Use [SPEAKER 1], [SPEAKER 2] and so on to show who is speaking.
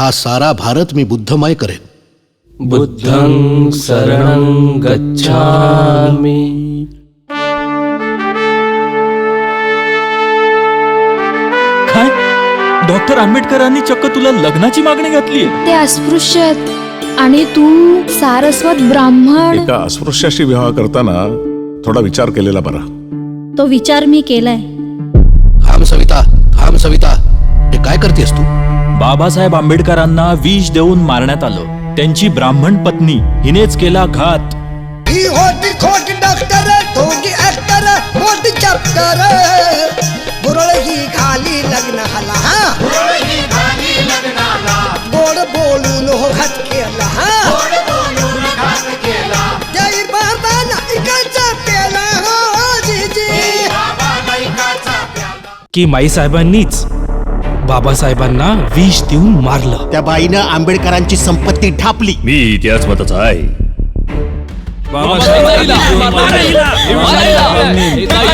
[SPEAKER 1] हा सारा भारत मी बुद्धमय करेन.
[SPEAKER 2] बुद्धं शरणं गच्छामि.
[SPEAKER 3] काय डॉक्टर आंबेडकरांनी चक्क तुला लग्नाची मागणी घातली?
[SPEAKER 4] ते अस्पृश्य आहेत आणि तू सारस्वत ब्राह्मण.
[SPEAKER 5] एका अस्पृश्याशी विवाह करताना थोडा विचार केलेला बरा.
[SPEAKER 6] तो विचार मी केलाय.
[SPEAKER 1] थांब सविता, थांब सविता, हे काय करतेस तू?
[SPEAKER 3] बाबासाहेब आंबेडकरांना विष देऊन मारण्यात आलं. त्यांची ब्राह्मण पत्नी हिनेच केला घात.
[SPEAKER 7] ही होती खोटी डॉक्टर, ठोकी ऍक्टर, मोठी चॅप्टर. बुरळ ही घाली लग्नाला, गोड बोलून हो घात केला. जय बाबा नाईकाचा पेला हो जीजी.
[SPEAKER 2] की माईसाहेबांनीच बाबासाहेबांना विष देऊन मारलं.
[SPEAKER 8] त्या बाईनं आंबेडकरांची संपत्ती ढापली.
[SPEAKER 9] मी त्याच मताचा आहे.
[SPEAKER 3] बाबासाहेबांनी